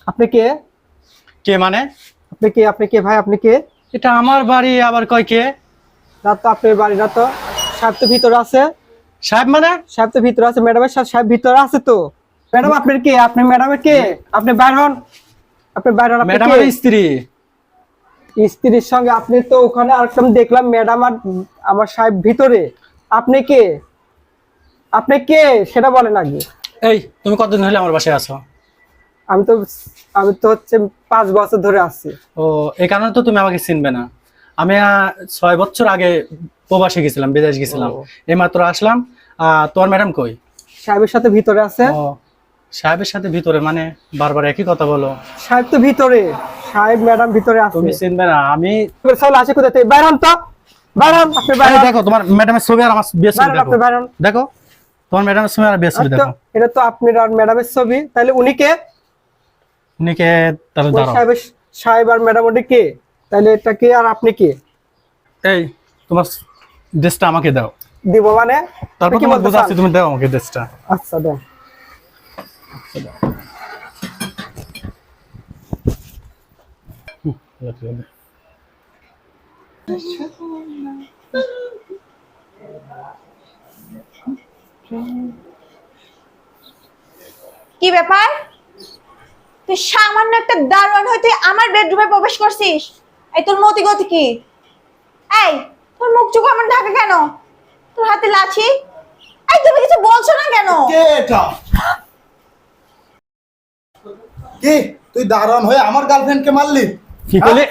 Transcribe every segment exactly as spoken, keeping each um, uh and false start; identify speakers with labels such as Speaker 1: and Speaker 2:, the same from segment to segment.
Speaker 1: আপনি কে?
Speaker 2: কে মানে?
Speaker 1: আপনি কে? আপনি কে ভাই? আপনি কে?
Speaker 2: এটা আমার বাড়ি, আবার কয় কে?
Speaker 1: না তো আপনার বাড়ি না তো। সাহেব তো ভিতরে আছে।
Speaker 2: সাহেব মানে?
Speaker 1: সাহেব তো ভিতরে আছে, ম্যাডামের সাথে সাহেব ভিতরে আছে তো। ম্যাডাম আপনার কে? আপনি ম্যাডামের কে? আপনি বাইর হন। আপনি বাইর হন। আপনি কে?
Speaker 2: ম্যাডামের স্ত্রী।
Speaker 1: স্ত্রীর সঙ্গে আপনি তো ওখানে আরেকটা দেখলাম ম্যাডাম আর আমার সাহেব ভিতরে। আপনি কে? আপনি কে সেটা বলেন আগে।
Speaker 2: এই তুমি কতদিন হলে আমার বাসায় আছো?
Speaker 1: আমি তো আমি তো হচ্ছে পাঁচ বছর ধরে আছি।
Speaker 2: ও, এই কারণে তো তুমি আমাকে চিনবে না। আমি আহ, ছয় বছর আগে প্রবাসে গেছিলাম, বিদেশ গেছিলাম।
Speaker 1: ও।
Speaker 2: এই মাত্র আসলাম। আহ তোমার ম্যাডাম কই?
Speaker 1: সাহেবের সাথে ভিতরে আছে।
Speaker 2: ও, সাহেবের সাথে ভিতরে মানে? বারবার একই কথা বলো।
Speaker 1: সাহেব তো ভিতরে, সাহেব ম্যাডাম ভিতরে আছে।
Speaker 2: তুমি চিনবে না। আমি
Speaker 1: চল আসে কোথা থেকে? বাইর হন তো, বাইর হন। আপনি বাইর
Speaker 2: আরে
Speaker 1: হন।
Speaker 2: দেখো তোমার ম্যাডামের ছবি আর আমার বিয়ের ছবি
Speaker 1: বাইর হন,
Speaker 2: দেখো।
Speaker 1: আপনি বাইর হন।
Speaker 2: দেখো তোমার ম্যাডামের ছবি আর বিয়ের ছবি
Speaker 1: আচ্ছা,
Speaker 2: দেখো।
Speaker 1: এটা তো আপনার আর ম্যাডামের ছবি, তাহলে উনি কে?
Speaker 2: উনিকে তাহলে
Speaker 1: ওই
Speaker 2: দাঁড়াও।
Speaker 1: সাহেবের সাহেব আর ম্যাডাম উনি কে? তাহলে এটা কে আর আপনি কে?
Speaker 2: এই তোমার ড্রেসটা আমাকে দাও।
Speaker 1: দিব মানে?
Speaker 2: তারপর
Speaker 1: কি
Speaker 2: তোমার
Speaker 1: বলতে
Speaker 2: বোঝাচ্ছি,
Speaker 1: চান?
Speaker 2: তুমি দাও আমাকে ড্রেসটা।
Speaker 1: আচ্ছা দেন।
Speaker 3: কি ব্যাপার? তুই সামান্য একটা দারোয়ান হয়ে তুই আমার বেডরুমে প্রবেশ করছিস? এই তোর মতি গতি কি? এই তোর মুখ চোখ আমার ঢাকা কেন? তোর হাতে লাঠি? এই তুমি কিছু বলছো না কেন?
Speaker 4: কে এটা? কি তুই দারোয়ান হয়ে আমার গার্লফ্রেন্ডকে মারলি?
Speaker 2: কি করলে?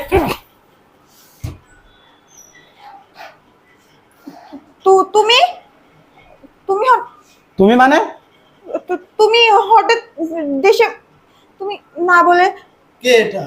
Speaker 3: তু তুমি তুমি হট-
Speaker 2: তুমি মানে?
Speaker 3: তু- তুমি হঠাৎ দেশে তুমি না বলে
Speaker 4: কে এটা?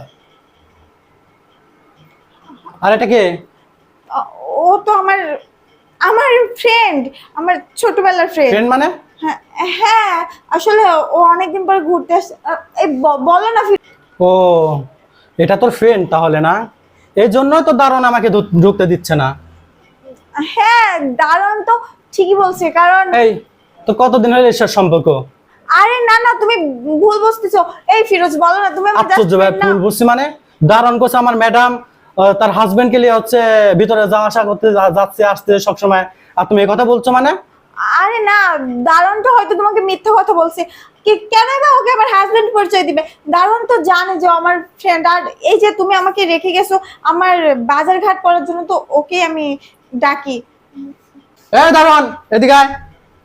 Speaker 2: আর এটা কে?
Speaker 3: আ- ও তো আমার আমার ফ্রেন্ড, আমার ছোটবেলার ফ্রেন্ড।
Speaker 2: ফ্রেন্ড মানে?
Speaker 3: হ্যাঁ হ্যাঁ, আসলে ও অনেকদিন পর ঘুরতে আসছে। আ, এই ব- বলো না ফি-
Speaker 2: ও, এটা তোর ফ্রেন্ড তাহলে না? এই জন্যই তো দারুণ আমাকে ঢুক- ঢুকতে দিচ্ছে না।
Speaker 3: হ্যাঁ দারুণ তো ঠিকই বলছে, কারণ
Speaker 2: এই তো কতদিন হলো এসব সম্পর্ক?
Speaker 3: আরে না না তুমি ভুল বুঝতেছো। এই ফিরোজ বলো না, তুমি আমার just
Speaker 2: আশ্চর্য ভাই,
Speaker 3: friend না?
Speaker 2: ভুল বুঝছি মানে? দারুণ করছে আমার ম্যাডাম, তার হাজবেন্ডকে নিয়ে হচ্ছে ভিতরে যাওয়া আসা করতে যা- যাচ্ছে আসতে সবসময়, আর তুমি এই কথা বলছো মানে?
Speaker 3: আরে না, দারুণ তো হয়তো তোমাকে মিথ্যা কথা বলছে। কি কেন বা ওকে আবার হাজবেন্ড পরিচয় দিবে? দারুণ তো জানে যে ও আমার ফ্রেন্ড, আর এই যে তুমি আমাকে রেখে গেছো আমার বাজার ঘাট করার জন্য, তো ওকে আমি ডাকি।
Speaker 2: এই দারুণ, এদিকে আয়।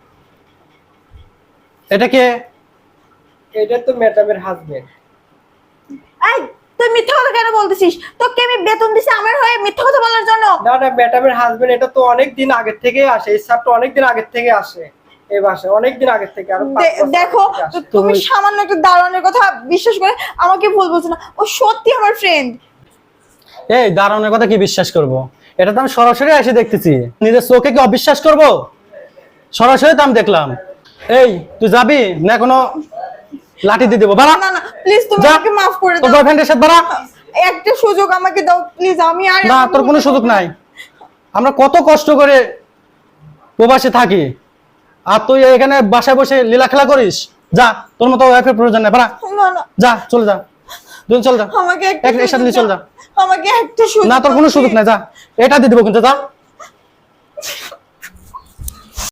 Speaker 2: এটা কে?
Speaker 1: এটা তো ম্যাডামের হাজবেন্ড।
Speaker 3: এই তুই মিথ্যা কথা কেন বলতেছিস? তোকে আমি বেতন দিছি আমার হয়ে মিথ্যা কথা বলার জন্য?
Speaker 1: না না, ম্যাডামের হাজবেন্ড। এটা তো অনেক দিন আগের থেকে আসে, এই সাহেব তো অনেক দিন আগের থেকে আসে এই বাসায়, অনেক দিন আগের থেকে। আর
Speaker 3: দে- দেখো তুমি সামান্য একটা দারোয়ানের কথা বিশ্বাস করে আমাকে ভুল বলছো না। ও সত্যি আমার ফ্রেন্ড।
Speaker 2: এই দারুণের কথা কি বিশ্বাস করব? এটা তো আমি সরাসরি এসে দেখতেছি, নিজের চোখে কি অবিশ্বাস করব? সরাসরি তো আমি দেখলাম। এই তুই যাবি না কোনো লাঠি দিয়ে দেবো? বাড়া
Speaker 3: না না প্লিজ তুমি
Speaker 2: যা।
Speaker 3: আমাকে মাফ করে
Speaker 2: তোর
Speaker 3: দাও।
Speaker 2: বয়ফ্রেন্ডের সাথে বাড়া।
Speaker 3: একটা সুযোগ আমাকে দাও প্লিজ, আমি আর
Speaker 2: না, তোর কোনো সুযোগ নাই। আমরা কত কষ্ট করে প্রবাসে থাকি, আর তুই এখানে বাসায় বসে লীলা খেলা করিস? যা, তোর মতো ওয়াইফের প্রয়োজন নেই, বাড়া।
Speaker 3: না না
Speaker 2: যা, চলে যা, দুজন চল যা।
Speaker 3: আমাকে একটা
Speaker 2: এক- এর সাথে নিয়ে চল যা।
Speaker 3: আমাকে একটা সুযোগ
Speaker 2: না, তোর কোনো
Speaker 3: দাও,
Speaker 2: সুযোগ
Speaker 3: please।
Speaker 2: নাই, যা। এটা দিয়ে দেবো কিন্তু, যা।